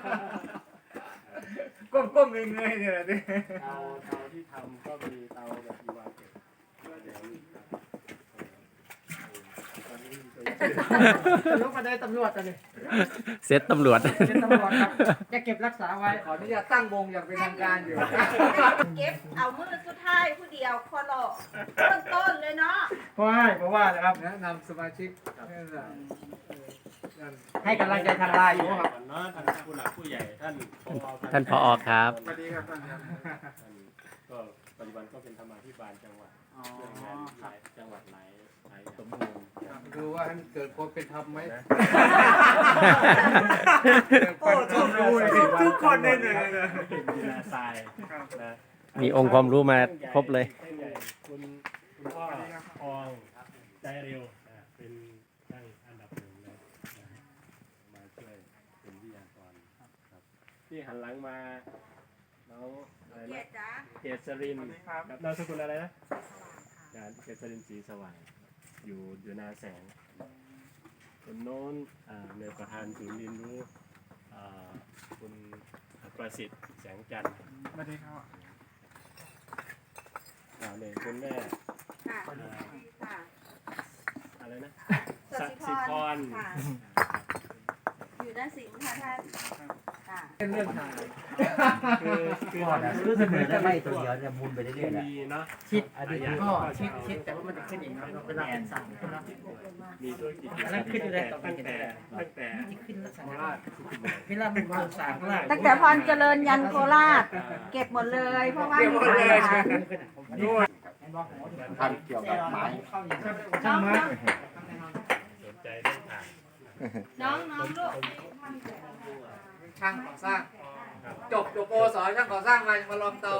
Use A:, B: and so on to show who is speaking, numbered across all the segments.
A: ก้มเงยเนี่ยดิ
B: เตาที่ทำก็มีเตาแบบอีวาเก็ต
C: ลุกมาได้ตำรวจตอนนี้
D: เซตตำรวจ
C: เป็นตำรวจครับจะเก็บรักษาไว้
A: ขออนุญาตตั้งวงอย่างเป็นทางการอยู่
E: เก็บเอามือสุดท้ายผู้เดียวคอรอต้นเลยเนาะ
C: เพราะว่านะครับ
A: แนะนำสมาชิก
C: ให้กำลังใจทางไลน์อยู่ครับ
B: เนาะท่านผู้หลักผู้ใหญ่ท่านผอ
D: ท่านผอครับ
A: สวัสดีครับท่านครับ
B: ก็ปัจจุบันก็เป็นธรรมาภิบาลจังหวัดเรื่องงานหลายจังหวัดหลายสมบูรณ์
A: ดูว่าให้เกิดความเป็นธรรมไหม
E: โอ้ชมรู้
A: ทุกคนได้เลย
B: มีนาทรายนะ
D: มีองค์ความรู้มาครบเลย
B: คุณพ่อทองใจเร็วเป็นช่างอันดับหนึ่งเลยมาช่วยเป็นวิทยากรครับที่หันหลังมาน้องอะไร
E: เกีย
B: นะ
E: รติจ้า
B: เกษรินกับนามสกุลอะไรนะเกษรินสีสว่างอยู่นาแสงคนโน้นในประธานศูนย์เรียนรู้คุณประสิทธิ์แสงจันทร์
A: สวัสดีครับ
B: เนี่ยคุณแม่
E: ค่ะค่ะ
B: อะไรนะ
E: ส
B: สัก
E: สิ
B: สิ
E: พ
B: พ
E: ร
B: ร
E: ค่ะอยู่ด้านสิงห์ค่ะท่านค่ะ
A: เป็นเรื่องทาง
B: คือ
F: ก่อนอะรู้สึกเหมือนจะไล่ตัวเดียวจะมุนไปเรื่อยๆแหละ
B: มีเนาะ
C: ชิดก็ชิดแต่ว่ามันจะขึ้นอีกครับเวลาเป็นสั่งขึ้นแล้ว
B: มีธุรกิจ
C: อันนั้นขึ้นอยู่แล้ว
B: ตั้งแต่
C: ที่ขึ้นลักษณะเวลามันโครงสร้างข้างล่าง
E: ตั้งแต่พรเจริญยันโคราช เก็บหมดเลยเพราะว่ามีปัญหา
F: ทำเกี่ยวกับไม้
E: น้อง
B: สนใจเรื่องอ่าน
E: น้องลูก
A: ช่างก่อสร้าง จบโปสช่างก่อสร้างมาลองเตา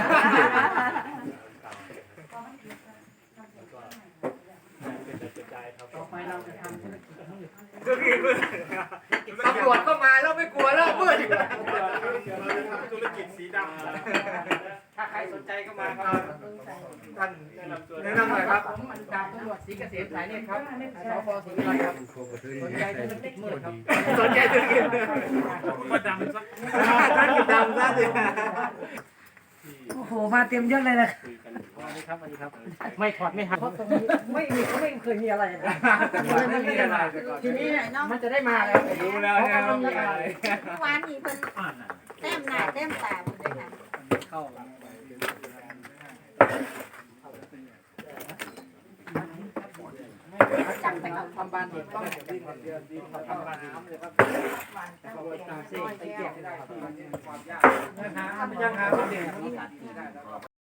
C: ต่อไปเราจะทำธุรกิจมืด
A: ตำรวจก็มาแล้วไม่กลัวแล้วมืด
B: ธุรกิจสีดำ
C: ถ้าใครสนใจก็มาครับ
A: ท่านแนะนำหน่อยครับ
C: ผมดาบตำรวจศรีเกษมสายเนี่ยครับสพศรีวิไลครับสนใจธุรกิจมืดครับ
A: สนใจธุรกิจมาดำสักท่านดำซะสิ
C: โอ้โหมาเต็มยศเลยนะ
B: คุยกันอยู่
C: ส
B: ว่า
C: วัสดีครับสวัสดีครับไม่ถอดไม่หักเพราะตรงนี้ไม่เคยมีอะไรนะไม่มีอะไรทีนี้มันจะได้มาแล้ว
A: รู้แล้วเนี่ยว่ามีอะไร
E: เมื่อวานนี้เพิ่นแต้มหน้าแต้มตาหมดเลยค่ะ
A: เข้า
C: จังไปเอาทำบ้านเด็กต้องดินเดือนดินทำบ้านน้ำเลยครับตามเส้นไปเกี่ยวไม่ได้ครับความยากยังหาไม่เด่น